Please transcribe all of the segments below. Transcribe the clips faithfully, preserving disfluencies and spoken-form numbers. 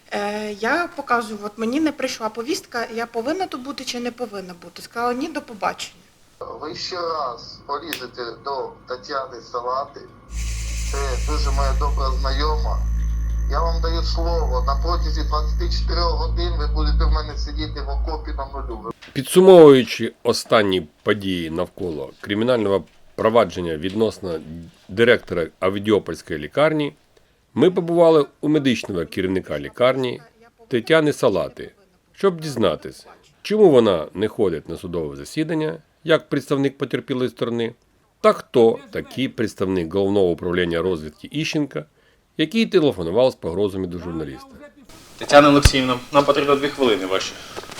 Е, я показую, от мені не прийшла повістка, я повинна тут бути чи не повинна бути. Сказала, ні, до побачення. Ви ще раз полізете до Тетяни Салати. Це дуже моя добра знайома. Я вам даю слово, на протязі двадцяти чотирьох годин ви будете в мене сидіти в окопі на нулю. Підсумовуючи останні події навколо кримінального провадження відносно директора Авдіопольської лікарні, ми побували у медичного керівника лікарні Тетяни Салати, щоб дізнатися, чому вона не ходить на судове засідання, як представник потерпілої сторони, та хто такий представник Головного управління розвідки Іщенка, який телефонував з погрозами до журналіста. Тетяна Олексіївна, нам потрібно дві хвилини ваші.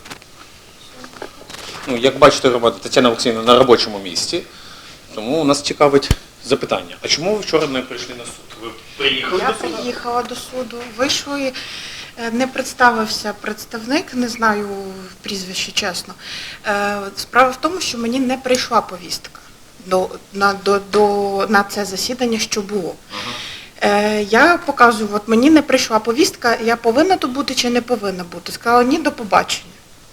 Ну, як бачите, громада, Тетяна Олексіївна на робочому місці, тому нас цікавить запитання. А чому ви вчора не прийшли на суд? Ви приїхали Я до суду? приїхала до суду, вийшли, е, не представився представник, не знаю прізвище, чесно. Е, Справа в тому, що мені не прийшла повістка до, на, до, до, на це засідання, що було. Ага. Е, Я показую, от мені не прийшла повістка, я повинна тут бути чи не повинна бути. Сказала, ні, до побачення.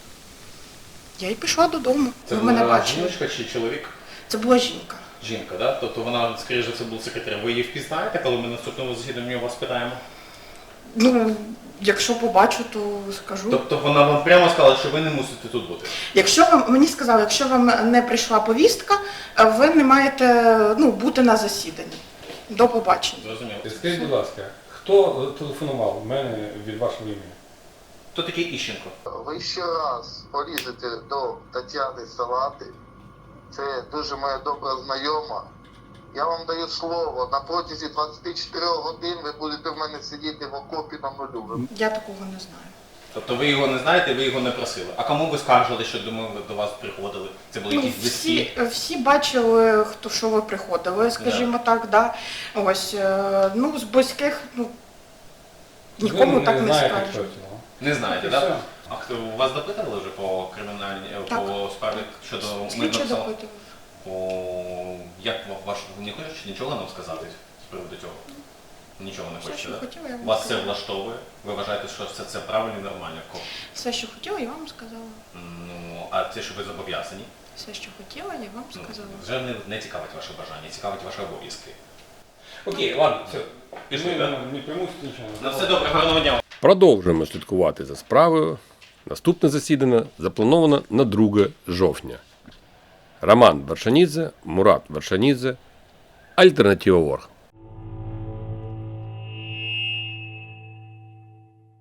Я й пішла додому. Це Ви мене була бачили. жіночка чи чоловік? Це була жінка. Жінка, так? Да? Тобто вона, скоріше за все, була секретарем. Ви її впізнаєте, коли ми на наступному засіданні у вас питаємо? Ну, якщо побачу, то скажу. Тобто вона вам прямо сказала, що ви не мусите тут бути? Якщо вам, мені сказали, якщо вам не прийшла повістка, ви не маєте, ну, бути на засіданні. До побачення. Зрозуміло. Скажіть, будь ласка, хто телефонував в мене від вашого імені? Хто такий Іщенко? Ви ще раз полізете до Тетяни Салати. Це дуже моя добра знайома. Я вам даю слово, на протязі двадцяти чотирьох годин ви будете в мене сидіти в окопі на нулю. Я такого не знаю. Тобто ви його не знаєте, ви його не просили. А кому ви скаржили, що до ми до вас приходили? Це були Ну, якісь всі, близькі? всі бачили, хто що ви приходили, скажімо так, да. Ось, е, ну, з близьких, ну, нікому Ви так не знаєте, скажуть. хто цього? Не знаєте, І так? все. Да? А хто вас допитували вже по кримінальній Так. по справі щодо Слідчі мирного села? допитували. О, як ваш не хочеш нічого нам сказати з приводу цього? Нічого не Все, хочете, що так? хотіла, я вам Вас це сказала. влаштовує? Ви вважаєте, що все це правильно і нормально? Все, що хотіла, я вам сказала. Ну, а це що ви зобов'язані? Все, що хотіла, я вам Ну, сказала. вже не, не цікавить ваше бажання, цікавить ваші обов'язки. Окей, ладно, все. Пішли, Ми так? не примусите нічого. На все добре, гарного дня. Продовжуємо слідкувати за справою. Наступне засідання заплановано на друге жовтня. Роман Вершанідзе, Мурат Вершанідзе, Альтернатива Орг.